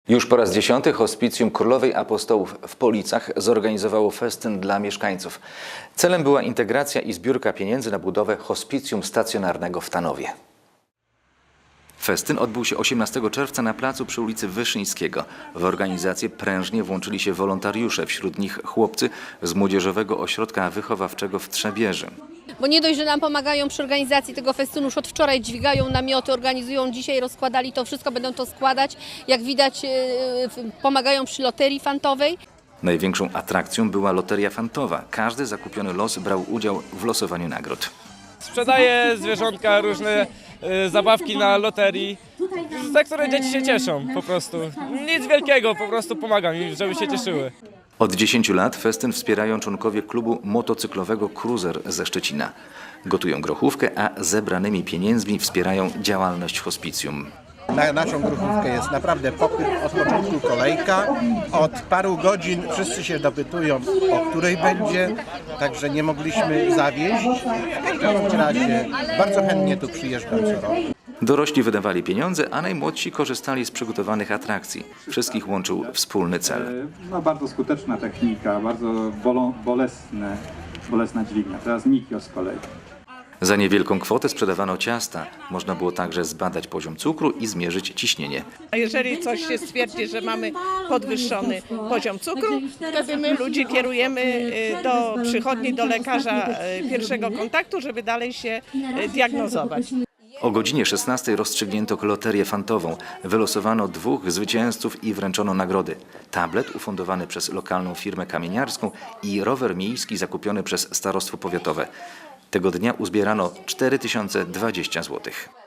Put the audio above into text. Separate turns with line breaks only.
Już po raz 10. Hospicjum Królowej Apostołów w Policach zorganizowało festyn dla mieszkańców. Celem była integracja i zbiórka pieniędzy na budowę hospicjum stacjonarnego w Tanowie. Festyn odbył się 18 czerwca na placu przy ulicy Wyszyńskiego. W organizację prężnie włączyli się wolontariusze, wśród nich chłopcy z Młodzieżowego Ośrodka Wychowawczego w Trzebieży.
Bo nie dość, że nam pomagają przy organizacji tego festynu, już od wczoraj dźwigają namioty, organizują dzisiaj, rozkładali to wszystko, będą to składać. Jak widać, pomagają przy loterii fantowej.
Największą atrakcją była loteria fantowa. Każdy zakupiony los brał udział w losowaniu nagród.
Sprzedaję zwierzątka, różne zabawki na loterii, za które dzieci się cieszą po prostu. Nic wielkiego, po prostu pomagam im, żeby się cieszyły.
Od 10 lat festyn wspierają członkowie klubu motocyklowego Cruiser ze Szczecina. Gotują grochówkę, a zebranymi pieniędzmi wspierają działalność hospicjum.
Na naszą grochówkę jest naprawdę popyt, od początku kolejka. Od paru godzin wszyscy się dopytują, o której będzie, także nie mogliśmy zawieść. W każdym razie bardzo chętnie tu przyjeżdżam co roku.
Dorośli wydawali pieniądze, a najmłodsi korzystali z przygotowanych atrakcji. Wszystkich łączył wspólny cel.
Bardzo skuteczna technika, bardzo bolesna dźwignia. Teraz Nikios z kolei.
Za niewielką kwotę sprzedawano ciasta. Można było także zbadać poziom cukru i zmierzyć ciśnienie.
A jeżeli coś się stwierdzi, że mamy podwyższony poziom cukru, wtedy my ludzi kierujemy do przychodni, do lekarza pierwszego kontaktu, żeby dalej się diagnozować.
O godzinie 16 rozstrzygnięto loterię fantową. Wylosowano 2 zwycięzców i wręczono nagrody. Tablet ufundowany przez lokalną firmę kamieniarską i rower miejski zakupiony przez starostwo powiatowe. Tego dnia uzbierano 4020 zł.